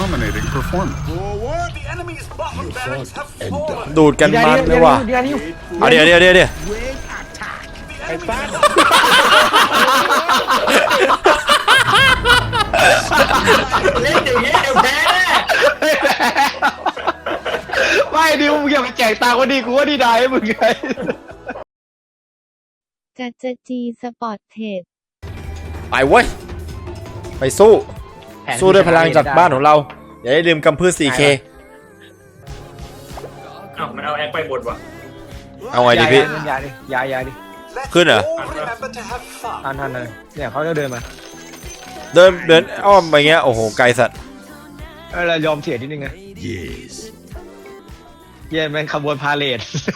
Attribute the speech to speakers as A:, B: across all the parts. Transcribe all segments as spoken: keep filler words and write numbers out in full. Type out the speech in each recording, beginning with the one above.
A: dominating performance.
B: ดูดกันมันเลยว่ะเอาเดี๋ยวเดี๋ยวเดี๋ยวเดี๋ยว
C: ไอ้ป้าเล่นอย่างนี้เดี๋ยวแพ้ไม่ดิมึงอย่าไปแจกตาคนดีกูว่าดีได้มึงไง
D: จัดจะจีสปอร์ตเทรด
B: ไปเว้ยไปสู้สู้ด้วยพลังจากบ้านของเราอย่าได้ลืมกำพืช โฟร์เค
E: เอ้ามันเอาแอคไปบนว่ะ
B: เอาไงดีพี่
C: ยาดิยายาดิ
B: ขึ้นเหรอ
C: ทันทันเลยเนี่ยเขาจะเดินมา
B: เดินเดินอ้อมไปเงี้ยโอ้โหไกลสัตว์
C: เออเรายอมเสียนิดนึงไง
A: Yes
C: เย็นเป็นขบวนพาเลท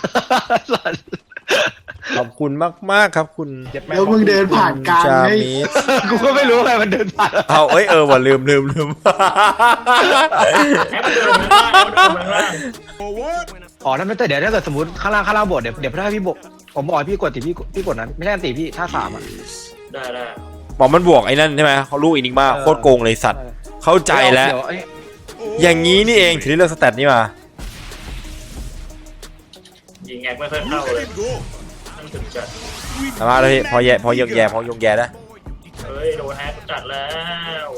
B: ขอบคุณมากๆครับคุณ
F: แล้วมึงเดินผ่านกลางไง
C: กูก็ไม่รู้อะไรมันเดินผ่าน
B: เอาเอ้ยเออว่ะลืมลืมลืม
C: อ๋อนั่นไม่แต่เดี๋ยวถ้าเกิดสมมติข้างล่างข้างล่างบทเดี๋ยวเดี๋ยวถ้าพี่บกผมบอกพี่กดติพี่พี่กดนั้นไม่ใช่ติพี่ท่าสามอ่ะ
E: ได้ได้
B: บอกมันบวกไอ้นั่นใช่ไหมเขาลูกอินิกมาโคตรโกงเลยสัตว์เข้าใจแล้วอย่างนี้นี่เองถึงได้เลือกสแตทนี้มา
E: ยิงแอคไม่ค่อยเข้าเลยนั่นถึงจัด
B: มาเลยพอแย่พอยงแย่พอยงแย่นะ
E: เฮ้ยโดนแอคจัดแล้ว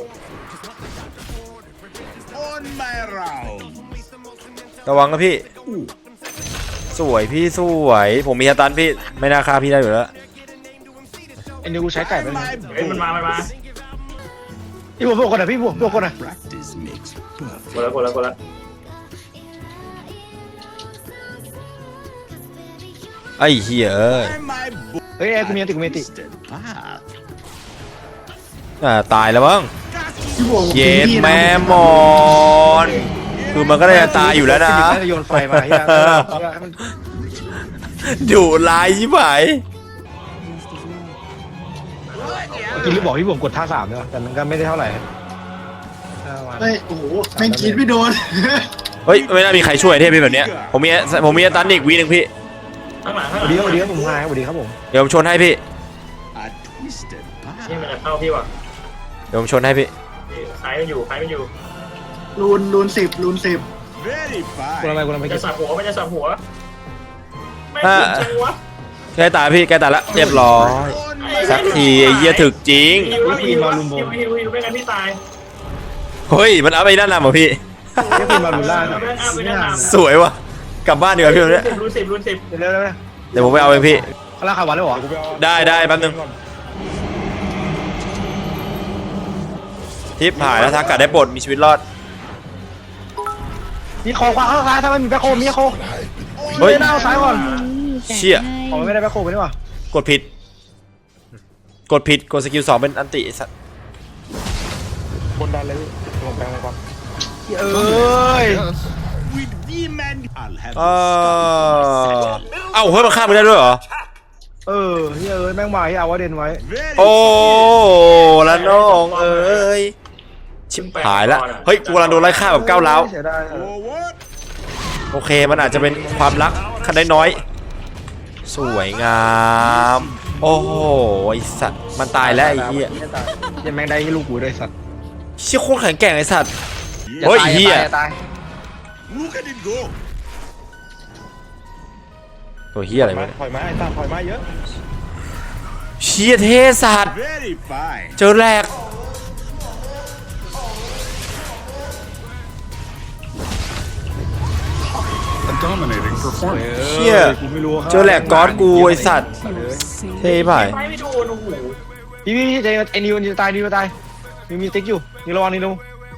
B: ระวังนะพี่สวยพี่สวยผมมีสตันพี่ไม่น่าฆ่าพี่ได้อยู่แล้ว
C: ไอ้นี่กูใช้ไก่ไปเลย
E: เฮ้ยมันมามันมา
C: พี่บวกพวกคนไหนพี่บวกพวกคนไหน
E: กดแล้วกดแล้วกดแล้ว
B: ไอ้เหี้ยเอ้ย
C: เฮ้ยไอ้กูมีติกูมีติ
B: อ่าตายแล้วมั้งเย็ดแม่มอนคือมันก็ได้ตายอยู่แล้วนะ
C: โยนไฟมา
B: ดุร้ายชิบหาย
C: กินหรือบอกพี่ผมกดท่าสามเนี่ยแต่มันก็ไม่ได้เท่าไหร่
F: เฮ้ยโอ้โหแม่งกินไม่โดน
B: เฮ้ยไม่น่ามีใครช่วยเทพเป็นแบบเนี้ยผมมีผมมีตันอีกวีนึงพี่
E: ข้างหลังข้างหลัง
C: เดี๋ยวเดี๋ยวผมมาสวัสดีครับผม
B: เดี๋ยวผมชนให้พี่
E: นี่มันจะเข้าพี่ว่ะ
B: เดี๋ยวผมชนให้พี่
E: ใครมันอยู่ใครมันอยู่
F: รูนรูนสิบรูนสิบ
C: กูทำไมกูทำไม
E: จะสับหัวไม่จะสับหัวไม่
B: ถึงจังวะแกตายพี่แกตายละเรียบร้อยสักทีไอ้เหี้ยถึกจริง
E: พี่มาลุมโบฮิวฮิวไม่งั้นพี่ตาย
B: เฮ้ยมันเอาไปด้านหน้าเหรอพี่
C: พี่มาลุมล่า
B: สวยว่ะกลับบ้านดีกว่าพี่เนี่ย
E: รูนสิบรูนสิบ
C: เร็ว
B: เดี๋ยวผมไปเอาเองพี่
C: ข้างล่างขาวันแล้วเหรอ
B: ได้ได้แป๊บนึงทิปหายแล้วทักกะได้ปลดมีชีวิตรอด
C: มีโคขวาข้างซ้ายถ้ามันมีแบ็คโคมีโค
B: เฮ้ย
C: หน้าซ้ายก่อน
B: เชี่ย
C: อ๋อไม่ได้แบ็คโคไปนี่หว่
B: ากดผิดกดผิดกดสกิลสองเป็นอันติสัตว์
C: บนดันเลยลงแปลงลงก่อนเอ้ย
B: เออเอ้าเฮ้ยมันฆ่ามึงได้ด้วยเหรอ
C: เออเฮ้ยเอ้ยแม่งมาให้เอาว่าเด่นไว้
B: โอ้ละน้องเอ้ยชิบหายละเฮ้ยกูกำลังโดนไล่ฆ่าแบบก้าวร้าวโอเคมันอาจจะเป็นความรักขั้นได้น้อยสวยงามโอ้โหไอสัตว์มันตายแล้วไอ้เหี้ย
C: ยังแม่งได้ให้ลูกกูด้วยสัตว์
B: เชี่ยโคตรแข็งแกร่งไอสัตว์เฮ้ยเหี้ยตัวเหี้ยอะไรวะ
C: ถอยมาไอ้ตาถอยมาเยอะ
B: เชี่ยเทสัตว์เจอแรกเชี่ยเจอแหลกก๊อตกูไอสัตว์เท่ไป
C: พี่พี่ใจไอ้นิวจะตายนิวจะตายนิวมีติ๊กอยู่นิวระวังนิว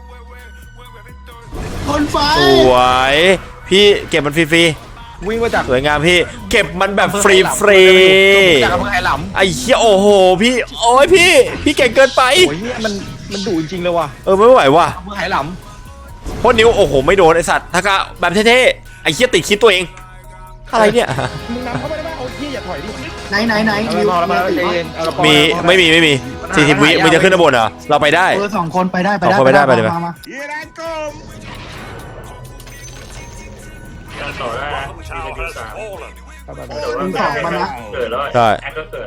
F: คนไฟ
B: สวยพี่เก็บมันฟรี
C: ๆวิ่งมาจาก
B: สวยงามพี่เก็บมันแบบฟรีฟรี
C: จากอำเภอไหหลำ
B: ไอ้เหี้ยโอ้โหพี่โอ้ยพี่พี่เก่งเกินไป
C: โอ้ยมันมันดุจริงเลยว่ะ
B: เออไม่ไหวว่ะ
C: อำเภอไหหลำ
B: เพราะนิ้วโอ้โหไม่โดนไอสัตว์ถ้ากะแบบเท่ๆไอ้เหี้ยติดคิดตัวเองอะไรเนี่ย
C: มึงนำเข้าไปได้ป่ะเอาที่อย่าถอยดิ
F: ไหนไหนไหน
B: มีไม่มีไม่มีสี่สิบวิมันจะขึ้นข้างบนเหรอเราไปได้
F: เออสองคนไปได้ไปได้
B: ไปได้ไปได้
F: มา
E: ต่อได้มีสาม
F: มีสองมานะ
E: เกิดแล้วแอคก็เกิด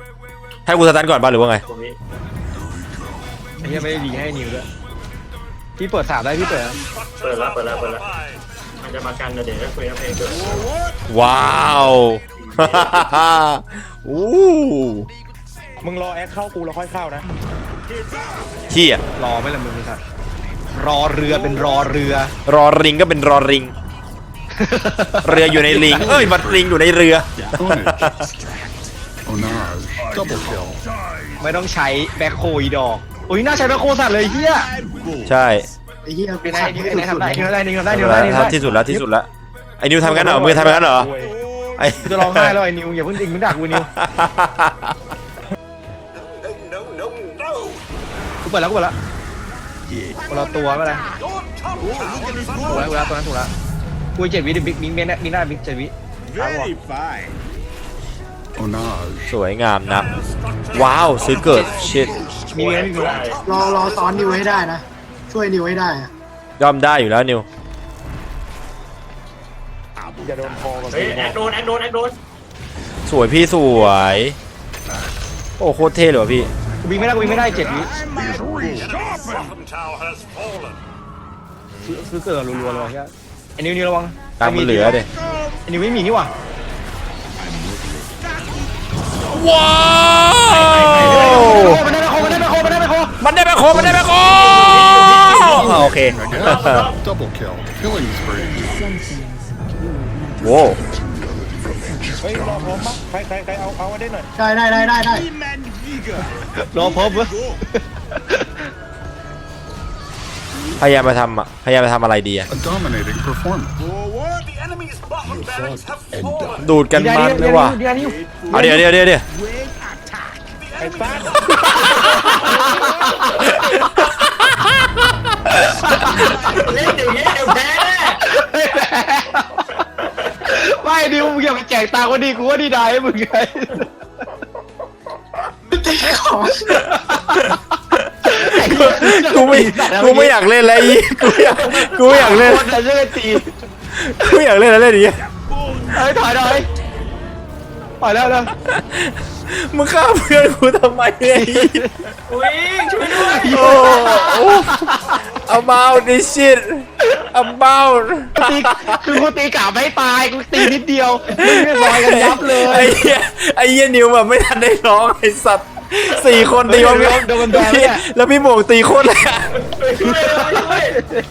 B: ให้กูสตาร์ทก่อนป่ะหรือว่าไง
C: ไอ้เหี้ยไม่ได้ดีให้นิวด้วยพี่เปิดสามได้พี่เปิด
E: เปิดแล้วเปิดแล้วเปิดแล้วมันจะมากันเดี๋ยวจะคุยกับเพลงเกิด
B: ว้าวอู้
A: มึงรอแอคเข้ากูแล้วค่อยเข้านะ
B: เฮีย
C: รอไม่ละมึงครับรอเรือเป็นรอเรือ
B: รอริงก็เป็นรอริง เรืออยู่ในลิงเอ้ยมันลิงอยู่ในเรือ
G: Onage, double kill.
C: ไม่ต้องใช้แบ็คโคอีดอกอุ้ยน่าใช้แบ็คโคสัตว์เลยเฮีย
B: ใช่
F: ไอ้เหี้ย
C: เป็นไง
F: ขัด
C: นี่
F: ไม่
C: เป็นไง
F: สุด
C: ทำได้
F: ๆ
C: นี่ทำได้นี่ทำได้นี่
B: ที่
C: ทำได้นี่ทำได้
B: ที่สุดแล้วที่สุดแล้วไอ้นิวทำงั้นเหรอมือทำงั้นเหรอไอ้
C: จะร้องไห้แล้วไอ้นิวอย่าเพิ่งอิงมึงด่ากูนิวกูเปิดแล้วกูเปิดแล้วคนละตัวไม่เป็นไรถูกแล้วถูกแล้วตัวนั้นถูกแล้วกูเจ็ดวิดิบิ๊กบิ๊กเมนบิ๊กหน้าบิ๊กเจ็ดวิครับผม
G: Onage.
B: สวยงามนักว้าวซื้อเกิดชิด
C: มีเงินมีเงิน
F: รอรอซ้อนนิวให้ได้นะ ช่วยนิวให้ได้อะ
B: ย่อมได้อยู่แล้วนิว
A: อย่าโดนคอกับ
E: เฮ้ยแอคโดนแอคโดนแอคโดน
B: สวยพี่สวยโอ้โคตรเท่เลยว่ะพี่
C: กูวิ่งไม่ได้กูวิ่งไม่ได้เจ็ดวิซื้อซื้อเกิดรัวๆเลยแค่ไอ้นิวนิวระวัง
B: ตังค์มันเหลือเด้
C: ไอ้นิวไม่มีนี่หว่า
B: ว้าว
C: มันได้ไปโคมันได้ไปโคมันได้ไปโค
B: มันได้แบคโคมันได้แบคโคอ่าโอเค
G: Again, double kill. Killing spree.
B: โว้
A: เฮ้ยรอพร้อมปะใครใครใครเอาเอาได้หน่อย
F: ได้ได้ได้ได้ได้
C: รอพบเว้ย
B: พยายามมาทำอ่ะพยายามมาทำอะไรดีอ่ะ
G: A dominating performance.
B: ดูดกันมันเลยว่ะ
C: เดี๋ยวนิว
B: เอาเดี๋ยวเดี๋ยวเดี๋ยวเดี๋ยว
A: ไอ้ซ่า
E: เล่นอย่างนี้เดี๋ยวแพ้แน่
C: ไม่นิวมึงอย่าไปแจกตาคนดีกูว่าดีได้ให้มึงไง
F: ของ
B: กูไม่กูไม่อยากเล่นแล้วอีกูอยากกูไม่อยากเล่น
C: แต่เรื่องตี
B: กูไม่อยากเล่นแล้วเล่นอย่างเงี้ย
C: เฮ้ยถอยหน่อยถอยแล้วแล้ว
B: มึงฆ่าเพื่อนกูทำไมเนี่ย
E: อุ้ยช่วยด้วย
B: โอ้โอ้ about this shit about
C: ตีคือกูตีกะไม่ตายกูตีนิดเดียวมึงไม่ลอยกันยับเลย
B: ไอ้เหี้ยไอ้เหี้ยนิวแบบไม่ทันได้ร้องไอ้สัตว์สี่คนตีมันแล้วพี่โมงตีโคตรเลยอะ
E: ช่วยเลยช่วย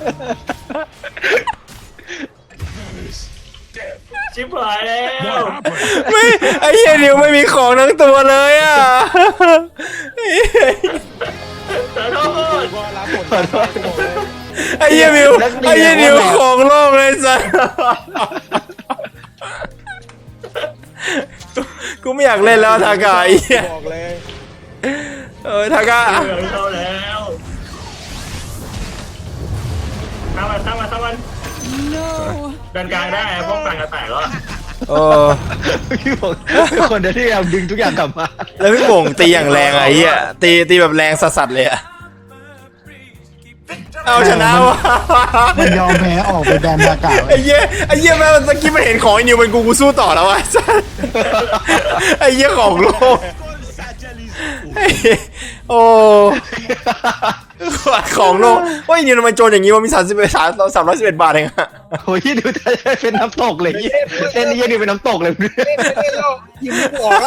E: ชิบหายแล้ว
B: ไม่ไอ้เหี้ยนิวไม่มีของทั้งตัวเลยอ่ะ
E: ขอโทษ
A: ก็รับบทขอโทษกูบอกเลย
B: ไอ้เหี้ยนิวไอ้เหี้ยนิวของโลกเลยสัสกูไม่อยากเล่นแล้วทากาไอ้เหี้ย
A: บอกเลย
B: เออทากา
E: เหลืองเข้าแล้วทำมันทำมันทำมันดันกลางได้ป้องกันกระแตกแล้ว
B: เออ
C: พี่บอกเป็นคนเดียวที่เราดึงทุกอย่างกลับมา
B: แล้วพี่โป่งตีอย่างแรงอะไอ้เหี้ยตีตีแบบแรงสัสๆเลยอะเอาชนะวะ
F: มันยอมแพ้ออกไปแดนอากาศ
B: ไอ้เหี้ยไอ้เหี้ยแม่งเมื่อกี้มันเห็นของไอ้นิวเป็นกูกูสู้ต่อแล้ววะไอ้เหี้ยของโลกไอ้เหี้ยโอ้ของโลกว่าไอ้นิวทำไมโจรอย่างงี้วะมีสามสิบเอ็ดสามสามร้อยสิบเอ็ดบาทเองอะ
C: โอ้ยดูจะเป็นน้ำตกเลยเส้นนี้ยังดูเป็นน้ำตกเลย
F: ยิ้มหัวแล้ว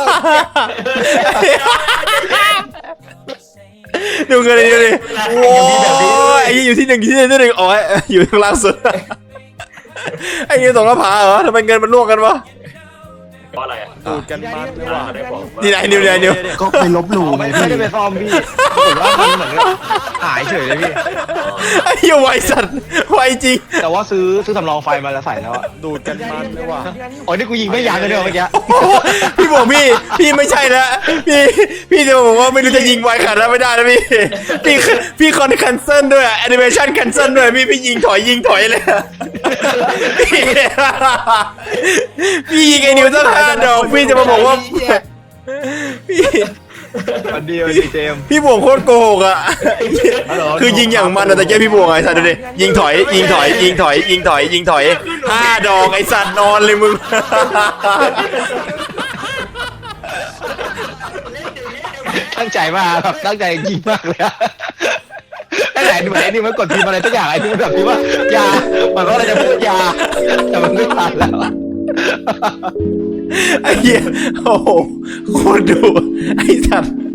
B: ดูเงินดิดูดิโอ้ยไอ้อยู่ที่หนึ่งที่หนึ่งที่หนึ่งอ๋ออยู่ข้างล่างสุดไอ้เงี้ยตกหน้าผาเหรอทำไมเงินมันล่วงกันวะ
E: เพราะอะไรอ่ะ
B: ดูดกันมันเลยว่ะ
E: ได้บอก
B: นี่ไหนนิวไหนนิว
F: ก็ไปลบหลู่ไง
C: ไม่
F: พี่
C: ได้ไปฟอร์มพี่ผมว่ามันเหมือนหายเฉยเลยพี่
B: ไอ้เหี้ยไวสัตว์ไวจริง
C: แต่ว่าซื้อซื้อสำรองไฟมาแล้วใส่แล้วอะ
B: ดูดกันมันเลยว่ะ
C: โอ้ยนี่กูยิงไม่ยั้งเลยเนี่ยเมื่อกี้
B: พี่บอกพี่พี่ไม่ใช่แล้วพี่พี่จะบอกว่าไม่รู้จะยิงไวขนาดนั้นไม่ได้นะพี่พี่พี่คอนแคนเซิลด้วยแอนิเมชันแคนเซิลด้วยพี่พี่ยิงถอยยิงถอยเลยพี่พี่ยิงไอ้นิวตั้งห้าดอกพี่จะมาบอกว่าพี่
C: วันเดียวดีเจม
B: พี่บวงโคตรโกหกอ่ะคือยิงอย่างมันอะแต่แกพี่บวงไอ้สัตว์ดูดิยิงถอยยิงถอยยิงถอยยิงถอยยิงถอยห้าดอกไอ้สัตว์นอนเลยมึง
C: ตั้งใจมากครับตั้งใจจริงมากเลยอะไหนเหมือนไอ้นี่มันกดพิมพ์อะไรสักอย่างไอ้ที่มันแบบพิมพ์ว่ายามันก็เลยจะพูดยาแต่มันไม่ทันแล้ว
B: ไอ้เหี้ยโอ้โหโคตรดุไอ้สัตว์